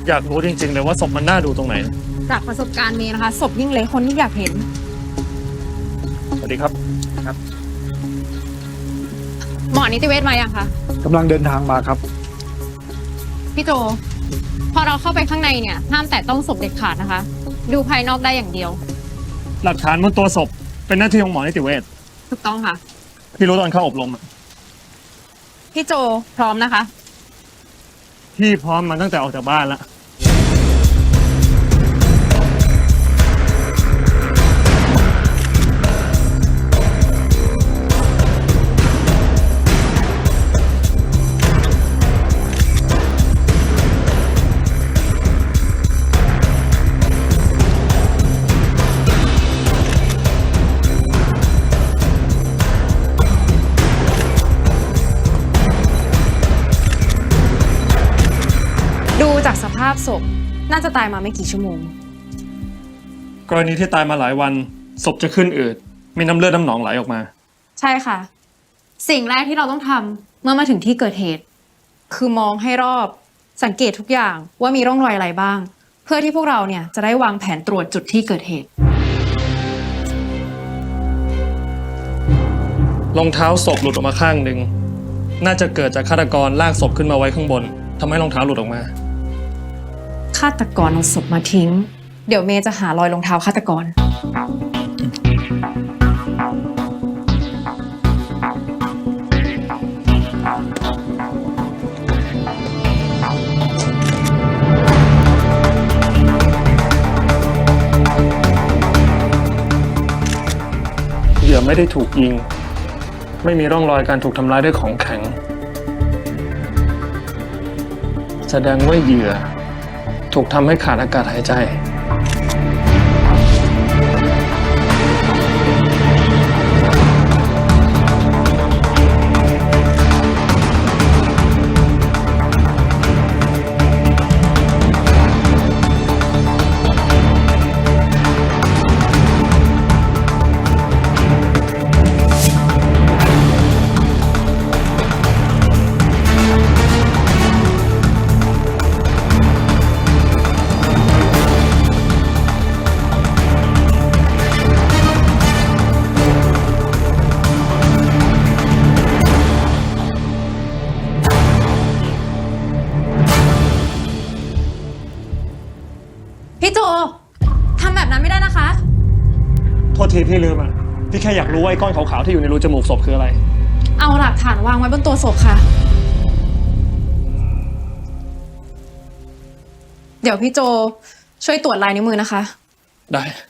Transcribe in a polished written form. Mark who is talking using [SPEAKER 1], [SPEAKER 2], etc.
[SPEAKER 1] อยากรู้จริงๆเลยว่าศพมันน่าดูตรงไหน
[SPEAKER 2] จากประสบการณ์เมย์นะคะศพยิ่งเละคนที่อยากเห็น
[SPEAKER 1] สวัสดีครับ
[SPEAKER 2] หมอนิติเวชมายังคะ
[SPEAKER 3] กำลังเดินทางมาครับ
[SPEAKER 2] พี่โจพอเราเข้าไปข้างในเนี่ยห้ามแตะต้องศพเด็ดขาดนะคะดูภายนอกได้อย่างเดียว
[SPEAKER 1] หลักฐานบนตัวศพเป็นหน้าที่ของหมอนิติเวช
[SPEAKER 2] ถูกต้องค่ะ
[SPEAKER 1] พี่รู้ตอนเข้าอบรม
[SPEAKER 2] พี่โจพร้อมนะคะ
[SPEAKER 1] พี่พร้อมมาตั้งแต่ออกจากบ้านแล้ว
[SPEAKER 2] ดูจากสภาพศพน่าจะตายมาไม่กี่ชั่วโมง
[SPEAKER 1] กรณีที่ตายมาหลายวันศพจะขึ้นอืดมีน้ำเลือดน้ำหนองไหลออกมา
[SPEAKER 2] ใช่ค่ะสิ่งแรกที่เราต้องทำเมื่อมาถึงที่เกิดเหตุคือมองให้รอบสังเกตทุกอย่างว่ามีร่องรอยอะไรบ้างเพื่อที่พวกเราเนี่ยจะได้วางแผนตรวจจุดที่เกิดเหตุ
[SPEAKER 1] รองเท้าศพหลุดออกมาข้างหนึ่งน่าจะเกิดจากฆาตกรลากศพขึ้นมาไว้ข้างบนทำให้รองเท้าหลุดออกมา
[SPEAKER 2] ฆาตกรเอาศพมาทิ้งเดี๋ยวเมย์จะหารอยรองเท้าฆาตกร
[SPEAKER 1] เหยื่อไม่ได้ถูกยิงไม่มีร่องรอยการถูกทำร้ายด้วยของแข็งแสดงว่าเหยื่อถูกทำให้ขาดอากาศหายใจ
[SPEAKER 2] พี่โจทำแบบนั้นไม่ได้นะคะ
[SPEAKER 1] โทษทีพี่ลืมอ่ะพี่แค่อยากรู้ว่าไอ้ก้อนขาวๆที่อยู่ในรูจมูกศพคืออะไร
[SPEAKER 2] เอาหลักฐานวางไว้บนตัวศพค่ะเดี๋ยวพี่โจช่วยตรวจลายนิ้วมือนะคะ
[SPEAKER 1] ได้